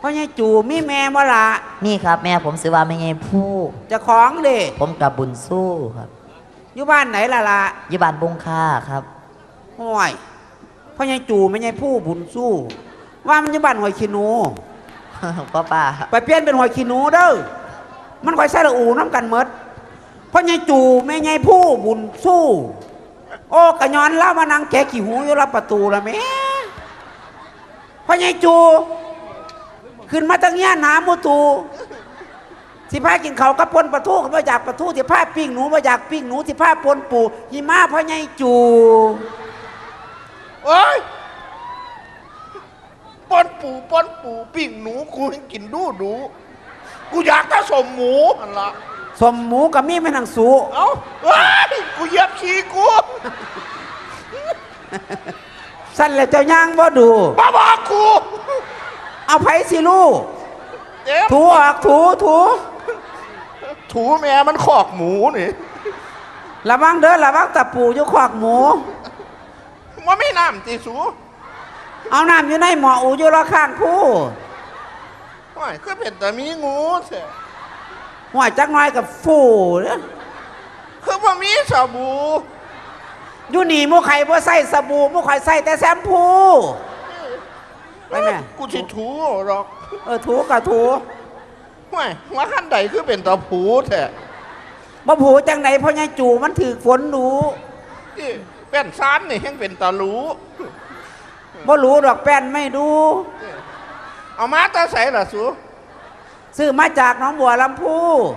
พ่อใหญ่จูมีแม่บ่ล่ะนี่ครับแม่ผมซื้อว่าไม่ไงผู้จะของเด้ผมกับบุญสู้ครับอยู่บ้านไหนล่ะอยู่บ้านบงค่าครับห้วยพ่อใหญ่จูไม่ใหญ่ผู้บุญสู้ว่ามันอยู่บ้านหอยขี้หนูป้าไปเปลี่ยนเป็นหอยขี้หนูเด้อมันค่อยใส่ละอูน้ำกันเมดพ่อใหญ่จูไม่ใหญ่ผู้บุญสู้โอ้กะย้อนแล้วมานั่งแกะขี้หูอยู่รับประตูละแม่พ่อใหญ่จูขึ้นมาตั้งเงี้ยหนามูตูสิพากินเขากับปนปลาทูมาจากปลาทูสิพาปิ้งหนูมาจากปิ้งหนูสิพาปนปูหิมะพ่อใหญ่จูโอ้ยปนปูปิ้งหนูกูให้กินดูกูอยากถ้าสมหมูอันละสมหมูกับมีไม่นังสูเอ้าเฮ้ยกูเหยียบขี้กูสั้นแล้วเจ้าย่างบ่ดูบ้าบอกกูเอาไผ่สิลูกถูออกถูแม่มันขอกหมูนี่ระวังเด้อระวังตะปูอยู่ขอกหมูมันไม่น้ำตีสูเอาน้ำอยู่ในหม้ออูอยู่รอข้างผู้ห่วยคือเป็นแต่มีงูเสียห่วยจักน้อยกับฟูเนี่ยคือว่ามีสบู่อยู่นี่มูไข่บ่ใส่สบู่มูไข่ใส่แต่แชมพูไปแม่กูจะถูหรอกถูกับถูห่วยหัวขั้นใดคือเป็นตะผูแท้บ่ผูจังไหนพ่อใหญ่จูมันถือฝนหนูเป็นซานนี่แห่งเป็นตะรู้บ่รู้ดอกแป้นไม่ดูเอามาตาใส่ล่ะสูซื้อมาจากน้องบัวลำพู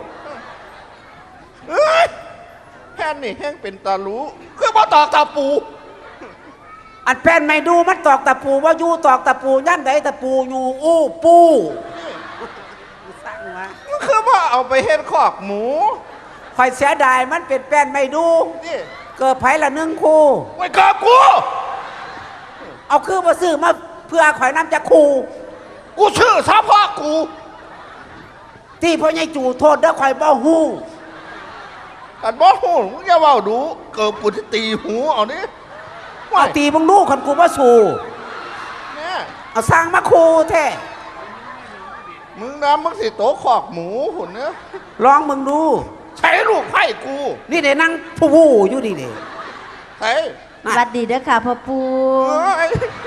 แป้นนี่แห่งเป็นตะรู้คือบ่ตอกตะปูอันแป้นไม่ดูมันตอกตะปูว่าอยู่ตอกตะปูย่ำใดตะปูอยู่อู้ปูสั่งมาคือว่าเอาไปเฮ็ดคอกหมูคอยเสียดายมันเป็นแป้นไม่ดูเกิดไผ่ละ1 คู่ไว้กับกูเอาคือมาซื้อมาเพื่อข่อยน้ำจะคู่กูชื่อซะพ่อกูที่พ่อใหญ่จูโทษเด้อข่อยบ่ฮู้กันบ่ฮู้มึงอย่าเว้าดูเกิดกูจะตีหูเอานี่เอาตีมึงลูกคันกูบ่สู้เนี่ยเอาสร้างมาคู่แท้มึงนะมึงสิโตขอกหมูหุ่นเนื้อลองมึงดูใช้ลูกไผ่กูนี่เดี๋ยวนั่งผู้อยู่นี่เดี๋ยวใช้สวัสดีเด้อค่ะพ่อปู่